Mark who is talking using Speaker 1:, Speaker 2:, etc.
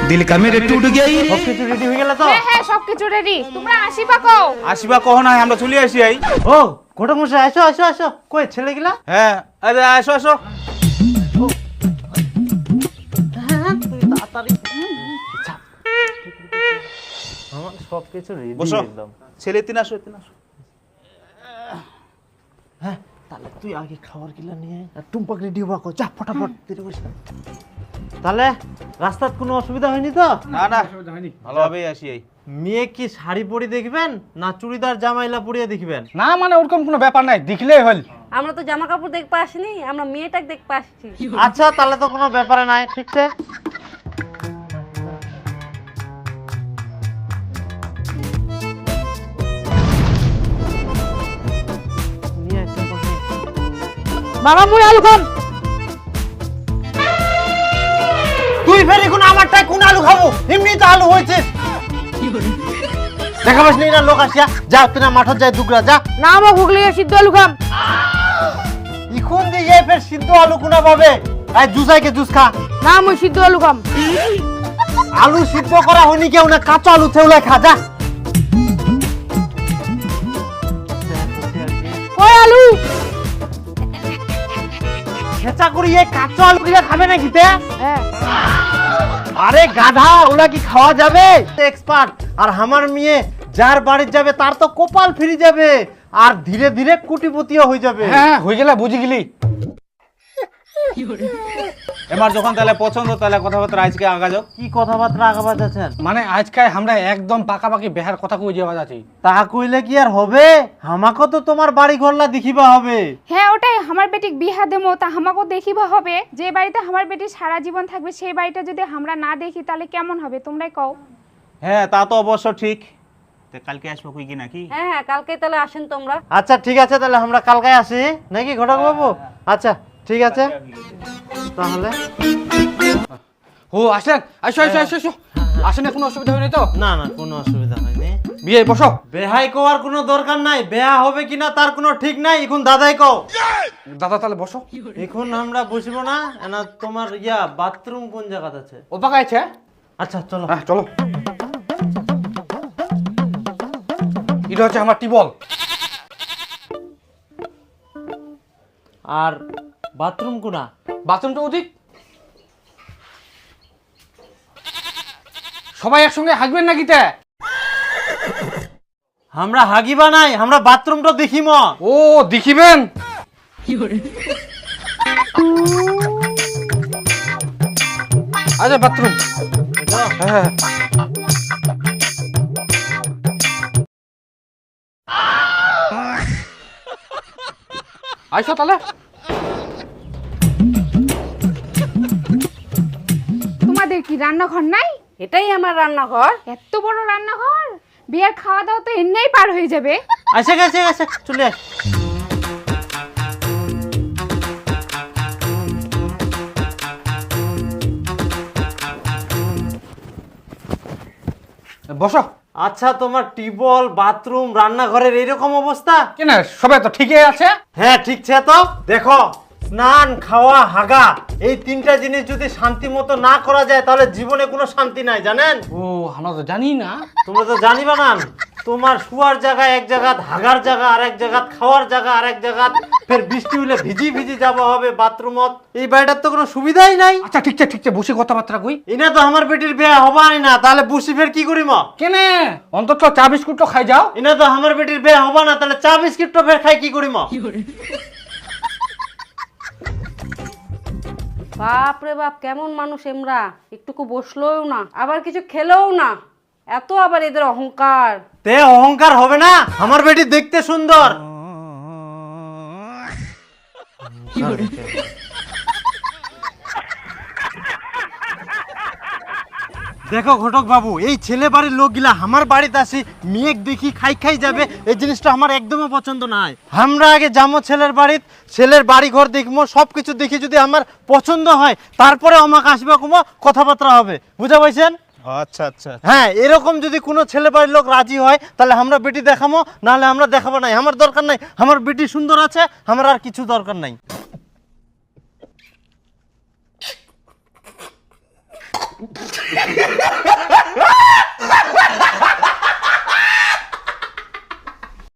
Speaker 1: दिल का मेरे टूट गई।
Speaker 2: সবকিছু রেডি হয়ে গেল তো?
Speaker 3: হ্যাঁ হ্যাঁ সবকিছু রেডি। তোমরা আসিবা কও?
Speaker 1: আসিবা কহ না, আমরা চলে আসি আই।
Speaker 2: ও ঘটক মশাই আসো আসো আসো, কই ছেলেগুলা?
Speaker 1: হ্যাঁ আরে আসো আসো।
Speaker 2: তুই তাড়াতাড়ি আমার সবকিছু রেডি
Speaker 1: বসো
Speaker 2: একদম।
Speaker 1: ছেলে তিন আসো তিন আসো।
Speaker 2: হ্যাঁ তাহলে তুই আগে খাবার গিলা নিয়ে আয়, আর টুম্পাক রেডি হবা কো, যা ফটাফট দেরি করিস না। তাহলে রাস্তার কোনো অসুবিধা হয়নি তো?
Speaker 1: না না ভালোভাবেই আসি আই।
Speaker 2: মেয়ে কি শাড়ি পরে দেখবেন না চুড়িদার জামাইলা পরিয়ে দেখবেন?
Speaker 4: না মানে ওরকম কোনো ব্যাপার নাই, দেখলেই হল।
Speaker 5: আমরা তো জামা কাপড় দেখতে আসিনি, আমরা মেয়েটাকে দেখতে আসছি।
Speaker 2: আচ্ছা তাহলে তো কোনো ব্যাপার নাই, ঠিক আছে।
Speaker 3: বাবা মুই আলু খাম।
Speaker 2: তুই ফের এখন আমারটাই কোন আলু খাবো? এমনি তো আলু হয়েছে। দেখাবাস নি না লোক আসিয়া, যা তুই না মাঠত যাই দুগরা যা।
Speaker 3: না মো গুগলি সিদ্ধ আলু খাম।
Speaker 2: এখন দিয়ে ফের সিদ্ধ আলু কোনা পাবে? আই জুসাইকে জুস খা।
Speaker 3: না মুই সিদ্ধ আলু খাম।
Speaker 2: আলু সিদ্ধ করা হয়নি কেউ না, কাঁচা আলু থেউলাই খা যা।
Speaker 3: কই আলু?
Speaker 2: খেচা করি এই কাঁচা আলু গুলা খাবে নাকি তে?
Speaker 3: হ্যাঁ
Speaker 2: আরে গাধা, ওলা কি খাওয়া যাবে? এক্সপার্ট। আর আমার মেয়ে যার বাড়ি যাবে তার তো কপাল ফিরে যাবে, আর ধীরে ধীরে কোটিপতিও হয়ে যাবে।
Speaker 4: হ্যাঁ হয়ে গেলে বুঝি গেলি।
Speaker 1: এবার যখন তাহলে পছন্দ তাহলে কথাবার্তা আজকে আগা যাও।
Speaker 2: কি কথাবার্তা আগাবা যাচ্ছেন?
Speaker 4: মানে আজকে আমরা একদম পাকাপাকি বেহার কথা কই যাওয়া যাচ্ছি।
Speaker 2: তা কইলে কি আর হবে? আমাকে তো তোমার বাড়ি ঘরলা দেখিবা হবে।
Speaker 3: হ্যাঁ ওটাই, আমার বেটিক বিহা দেমো তা আমাকে দেখিবা হবে। যে বাড়িতে আমার বেটি সারা জীবন থাকবে সেই বাড়িটা যদি আমরা না দেখি তাহলে কেমন হবে তোমরাই কও।
Speaker 1: হ্যাঁ তা তো অবশ্য ঠিক। তে কালকে আসবো কই কি নাকি?
Speaker 5: হ্যাঁ হ্যাঁ কালকে তাহলে আসেন তোমরা।
Speaker 2: আচ্ছা ঠিক আছে, তাহলে আমরা কালকে আসি নাকি ঘটক বাবু? আচ্ছা ঠিক আছে তাহলে।
Speaker 4: ও আসেন, আসো আসো আসো আসো। আসেন, কোনো অসুবিধা হয়নি তো?
Speaker 2: না না কোনো অসুবিধা হয়নি।
Speaker 4: বিয়ে বসো।
Speaker 2: বেহাই কোয়ার কোনো দরকার নাই, বেহা হবে কিনা তার কোনো ঠিক নাই। এখন দাদাই কও।
Speaker 4: দাদা তাহলে বসো।
Speaker 2: এখন আমরা বসবো না, না তোমার বাথরুম কোন জায়গাতে আছে?
Speaker 4: ও পাকা আছে।
Speaker 2: আচ্ছা চলো।
Speaker 4: হ্যাঁ চলো। এটা হচ্ছে আমার টিবল।
Speaker 2: আর বাথরুম কোনা?
Speaker 4: বাথরুমটা ওদিক। সবাই একসঙ্গে হাগবেন নাকি তে?
Speaker 2: আমরা হাগিবা নাই, আমরা বাথরুমটা দেখিম।
Speaker 4: ও দেখিবেন। আচ্ছা বাথরুম। হ্যাঁ আইসো তাহলে।
Speaker 3: তোমাদের কি রান্নাঘর নাই?
Speaker 5: এটাই আমার রান্নাঘর।
Speaker 3: এত বড় রান্নাঘর, বিয়ের খাওয়া দাওয়া তো এমনিই পার হয়ে যাবে।
Speaker 2: আসে গেছে গেছে চলে আস।
Speaker 4: বসো।
Speaker 2: আচ্ছা তোমার টিবল, বাথরুম, রান্নাঘরের এইরকম অবস্থা?
Speaker 4: কেন সবাই তো ঠিকই আছে।
Speaker 2: হ্যাঁ ঠিক আছে। তো দেখো, স্নান, খাওয়া, হাগা, এই তিনটা জিনিস যদি শান্তি মতো না করা যায় তাহলে জীবনে কোনো শান্তি নাই, জানেন?
Speaker 4: ও আমরা তো জানি না।
Speaker 2: তোমরা তো জানিবা না। তোমার শুয়ার জায়গা এক জায়গা, হাগার জায়গা আর এক জায়গা, খাওয়ার জায়গা আর এক জায়গা, ফের বৃষ্টি হলে ভিজি ভিজি যাওয়া হবে বাথরুমত। এই বাড়িটার তো কোনো সুবিধাই নাই।
Speaker 4: আচ্ছা ঠিক আছে ঠিক আছে, বসে কথাবার্তা কই।
Speaker 2: এনা তো আমার বেটির বিয়ে হবাই না, তাহলে বসি ফের কি করিম?
Speaker 4: কেনে অন্তত চা বিস্কুট তো খাই যাও।
Speaker 2: এনা তো আমার বেটির বিয়ে হবা না, তাহলে চা বিস্কিট তো ফের খাই কি করিম?
Speaker 5: বাপ রে বাপ, কেমন মানুষ এমরা! একটুকু বসলোও না, আবার কিছু খেলেও না। এত আবার এদের অহংকার।
Speaker 2: তে অহংকার হবে না? আমার বেটি দেখতে সুন্দর। দেখো ঘটক বাবু, এই ছেলে বাড়ির লোকগুলা আমার বাড়িতে আসি মেয়ে দেখি খাই খাই যাবে, এই জিনিসটা আমার একদমই পছন্দ নয়। আমরা আগে যাবো ছেলের বাড়িত, ছেলের বাড়ি ঘর দেখবো, সবকিছু দেখি যদি আমার পছন্দ হয় তারপরে আমাকে আসবে কোনো কথাবার্তা হবে, বুঝা পাইছেন?
Speaker 1: আচ্ছা আচ্ছা
Speaker 2: হ্যাঁ, এরকম যদি কোনো ছেলে বাড়ির লোক রাজি হয় তাহলে আমরা বেটি দেখাবো, নাহলে আমরা দেখাবো নাই। আমার দরকার নাই, আমার বেটি সুন্দর আছে, আমার আর কিছু দরকার নাই।